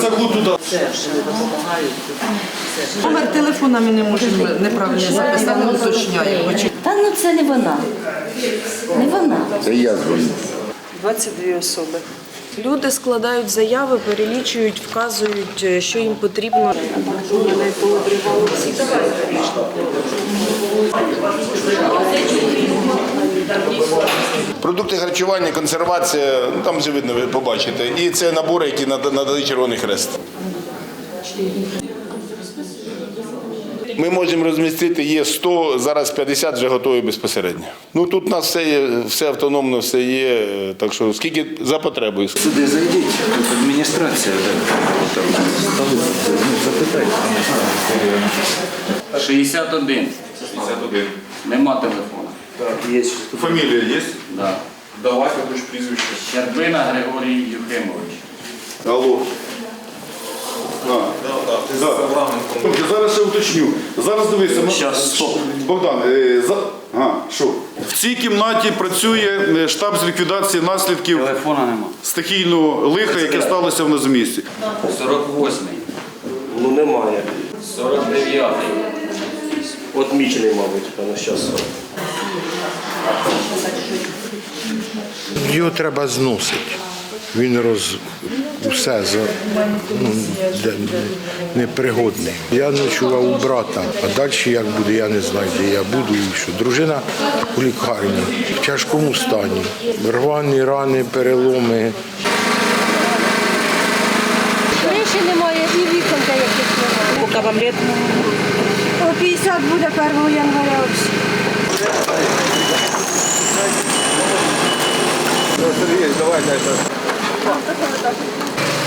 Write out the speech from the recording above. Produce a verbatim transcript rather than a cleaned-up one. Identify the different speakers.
Speaker 1: заглу туди.
Speaker 2: Номер телефона ми не можемо неправильно записати, не уточняємо.
Speaker 3: Та ну це не вона. Не вона.
Speaker 1: Це я дзвоню.
Speaker 4: двадцять дві особи. Люди складають заяви, перелічують, вказують, що їм потрібно.
Speaker 1: Продукти харчування, консервація, ну, там вже видно, ви побачите. І це набори, які надали Червоний Хрест. Ми можемо розмістити, є сто, зараз п'ятдесят вже готові безпосередньо. Ну тут у нас все є, все автономно, все є, так що скільки за потребою.
Speaker 5: Сюди зайдіть, тут адміністрація, там запитайте.
Speaker 6: шістдесят один. Нема телефона.
Speaker 5: Так, є.
Speaker 1: Фамілія є?
Speaker 6: Да.
Speaker 1: Давайте, хоч прізвище.
Speaker 6: Щербина Григорій Юхимович.
Speaker 1: Алло. А, да. Зараз ще уточню. Зараз дивися. ми-
Speaker 6: Щас, стоп.
Speaker 1: Богдан, е, за... а, що? В цій кімнаті працює е, штаб з ліквідації наслідків
Speaker 6: Телефона нема.
Speaker 1: стихійного лиха, яке сталося в нас в місті.
Speaker 6: сорок восьмий.
Speaker 7: Ну немає.
Speaker 6: сорок дев'ятий.
Speaker 7: Отмічений, мабуть, на зараз.
Speaker 8: Його треба зносити. Він роз... усе за... ну, де- непригодний. Я ночував у брата, а далі як буде, я не знаю, де я буду і що. Дружина у лікарні, в тяжкому стані. Рвані рани, переломи.
Speaker 3: Криші немає і вікон деяких немає.
Speaker 4: Поки вам літ.
Speaker 3: О п'ятдесят буде першого января.
Speaker 1: Сергій, давай, дай.